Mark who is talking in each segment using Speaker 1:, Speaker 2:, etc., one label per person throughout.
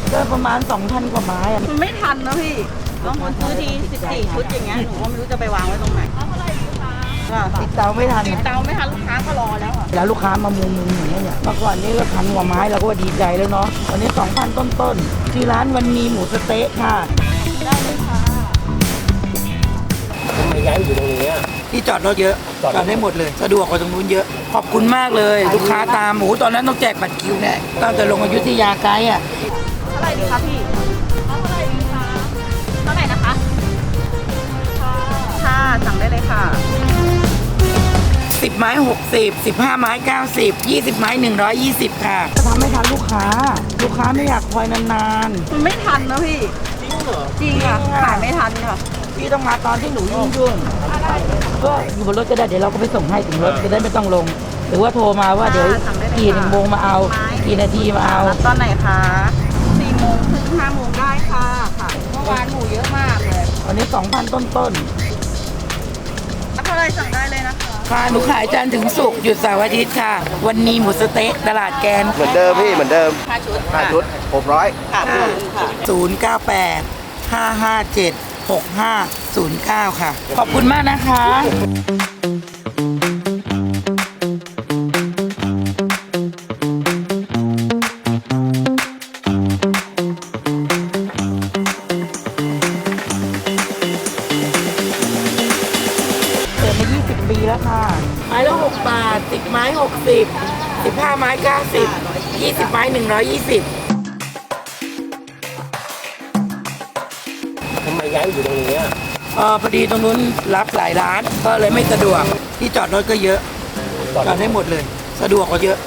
Speaker 1: ก็ประมาณ 2,000 กว่าไม้อะ
Speaker 2: มันไม่ทันนะพี่บางคนซื้อที14 ชุดอย่างเงี้ยหนูก็ไม่รู้จะไปวางไว้ตรงไหนก็
Speaker 1: ติดเตาไม่ทัน
Speaker 2: ติดเตาไม่ทันลูกค้าก็รอแล้วอ่ะ
Speaker 1: แล้วลูกค้ามามุงอย่างเงี้ยเมื่อก่อนนี้ก็1,000 กว่าไม้เราก็ว่าดีใจแล้วเนาะวันนี้ 2,000 ต้นๆที่ร้านวันนี้หมูสะเต๊ะค่ะ
Speaker 2: ได้เลยค่ะ
Speaker 3: ทำไมย้ายอยู่ตรงนี้
Speaker 1: ที่จอดรถเยอะจอดได้หมดเลยสะดวกกว่าตรงนู้นเยอะขอบคุณมากเลยลูกค้าตามหมูตอนนั้นต้องแจกบัตรคิวเนี่ยตั้งแต่ลงอยุธยาไกด์อ่ะ
Speaker 2: เท่าไหร่ดีคะพี่เท่าไหร่ดีคะเท่าไหร่นะคะค่ะสั่งได้เลยค่ะ
Speaker 1: 10 ไม้ 60 15 ไม้ 90 20 ไม้ 120 ค่ะจะทำให้ทันลูกค้าไม่อยากคอยนาน
Speaker 2: ๆมันไม่ทันนะพี่จริงเหรอจริงค่ะขายไม่ทันค่ะ
Speaker 1: พี่ต้องมาตอนที่หนูยุ่งก็อยู่บนรถก็ได้เดี๋ยวเราก็ไปส่งให้ถึงรถจะได้ไม่ต้องลงหรือว่าโทรมาว่าเดี๋ยวกี่โมงมาเอากี่นาทีมาเอา
Speaker 2: ตอนไหนคะ4 โมงถึง5 โมงได้ค่ะเมื่อวานหมูเยอะมากเลย
Speaker 1: วันนี้ 2,000 ต้น
Speaker 2: เท่าไรสั่งได้เลยนะคะ
Speaker 1: ค่ะหนูขายจันทร์ถึงศุกร์หยุดเสาร์อาทิตย์ค่ะวันนี้หมูสะเต๊ะตลาดแกน
Speaker 3: เหมือนเดิมพี่เหมือนเดิม5 ชุด600
Speaker 2: ค่ะ
Speaker 1: 098 557 6509 ค่ะขอบคุณมากนะคะปีแล้วค่ะไม้ละ6 บาท10 ไม้ 60 15 ไม้90 20 ไม้ 120
Speaker 3: ทำไมย้ายอยู่ตรงนี้
Speaker 1: พอดีตรงนู้นรับหลายร้านก็เลยไม่สะดวกที่จอดรถก็เยอะจอดได้หมดเลยสะดวกกว่าเยอะ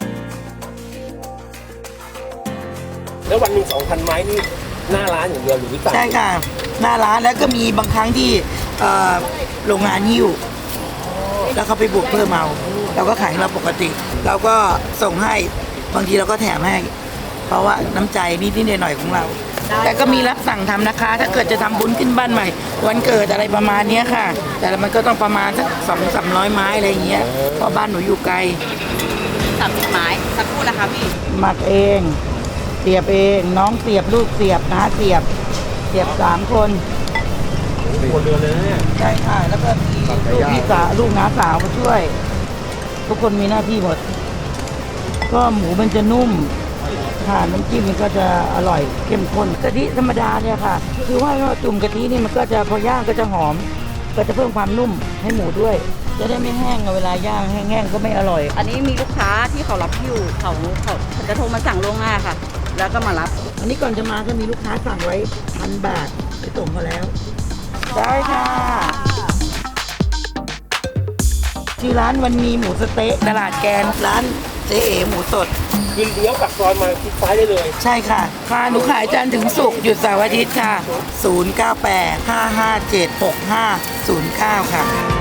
Speaker 3: แล้ววันหนึ่ง2,000 ไม้นี่หน้าร้านอย่างเดียวหรือวิสา
Speaker 1: ใช่ค่ะหน้าร้านแล้วก็มีบางครั้งที่โรงงานหิ้วแล้วเขาไปบวกเพิ่มเอาเราก็ขายเราปกติเราก็ส่งให้บางทีเราก็แถมให้เพราะว่าน้ำใจนิดๆหน่อยๆของเราแต่ก็มีรับสั่งทำนะคะถ้าเกิดจะทำบุญขึ้นบ้านใหม่วันเกิดอะไรประมาณนี้ค่ะแต่มันก็ต้องประมาณสัก200-300 ไม้อะไรอย่างเงี้ยเพราะบ้านหนูอยู่ไกล
Speaker 2: 30 ไม้สักครู่นะคะพี่
Speaker 1: หมักเองเสียบเองน้องเสียบลูกเสียบน้าเสียบ3 คน
Speaker 3: เดือนเลยเนี่ย
Speaker 1: ใช่ค่ะแล้วก็มีลูกพี่สาวลูกน้าสาวมาช่วยทุกคนมีหน้าที่หมดก็หมูมันจะนุ่มค่ะน้ำจิ้มมันก็จะอร่อยเข้มข้นกะทิธรรมดาเนี่ยค่ะคือว่าจุ่มกะทินี่มันก็จะพอย่างก็จะหอมก็จะเพิ่มความนุ่มให้หมูด้วยจะได้ไม่แห้งเวลาย่างแห้งๆก็ไม่อร่อย
Speaker 2: อันนี้มีลูกค้าที่เขารับอยู่เขาจะโทรมาสั่งล่วงหน้าค่ะแล้วก็มารับ
Speaker 1: อันนี้ก่อนจะมาก็มีลูกค้าสั่งไว้1,000 บาทไปส่งเขาแล้วได้ค่ะชื่อร้านวันนี้หมูสะเต๊ะตลาดแกนร้านเจ๊เอ๋หมูสด
Speaker 3: คือเลี้ยวปากซอยมาทิศซ้ายได้เลย
Speaker 1: ใช่ค่ะหนูขายจันทร์ถึงศุกร์หยุดเสาร์อาทิตย์ค่ะ098 557 6509 ค่ะ